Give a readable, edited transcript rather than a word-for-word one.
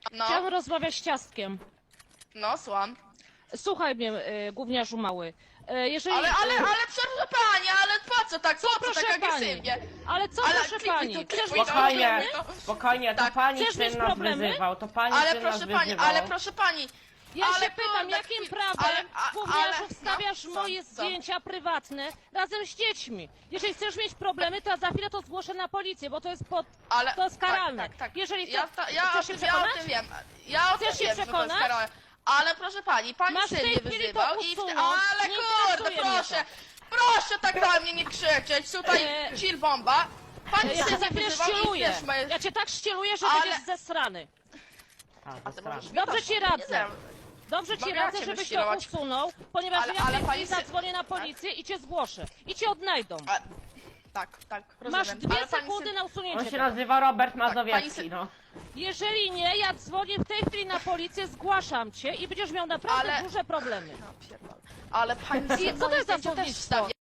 No, Chciałam rozmawiać z Ciastkiem. no, słucham. Słuchaj mnie, gówniarzu mały. Jeżeli... Ale proszę pani, ale po co tak, proszę tak pani? agresywnie? Ale co Ale proszę klikuj pani? to, Chcesz klikuj mieć to. Spokojnie, problemy? spokojnie, to Tak. pani Chcesz mieć syn nas problemy? wyzywał, to pani Ale syn nas proszę pani, wyzywał. ale proszę pani. Ja ale się pytam, kurde, jakim chwil- prawem, gówniarzu, no, wstawiasz co, moje co? zdjęcia prywatne razem z dziećmi? Jeżeli chcesz mieć problemy, to za chwilę to zgłoszę na policję, bo to jest to jest karalne. Tak. Jeżeli Ja chcesz się o przekonać? tym wiem. Ja o tym Chcesz się wiem, że to jest przekonać? karalne. Ale proszę pani, pani Masz w syn tej mnie chwili wyzywał to i usunąć. ale Nie kurde, interesuje mnie proszę. Proszę tak na mnie nie krzyczeć. Tutaj chill bomba. Pani Ja cię syn za mnie chwilę wyzywał i ścieluję. wiesz, moje... Ja cię tak ścieluję, że Ale- będziesz zesrany. A, ty to możesz straszne. Dobrze ci radzę. Dobrze ci Mogę radzę, cię żebyś to wyścielować. usunął, ponieważ Ale- ja w ale tej chwili pani zadzwonię na policję i cię zgłoszę. I cię odnajdą. Tak, Masz rozumiem. 2 Ale pani sekundy syn- na On usunięcie się tego. nazywa Robert pani Mazowiecki, syn- no. Jeżeli nie, ja dzwonię w tej chwili na policję, zgłaszam cię i będziesz miał naprawdę Ale- duże problemy. Ja pierdolę. Ale pani I syn co to jest za moje zdjęcia też słownictwo? wstawia.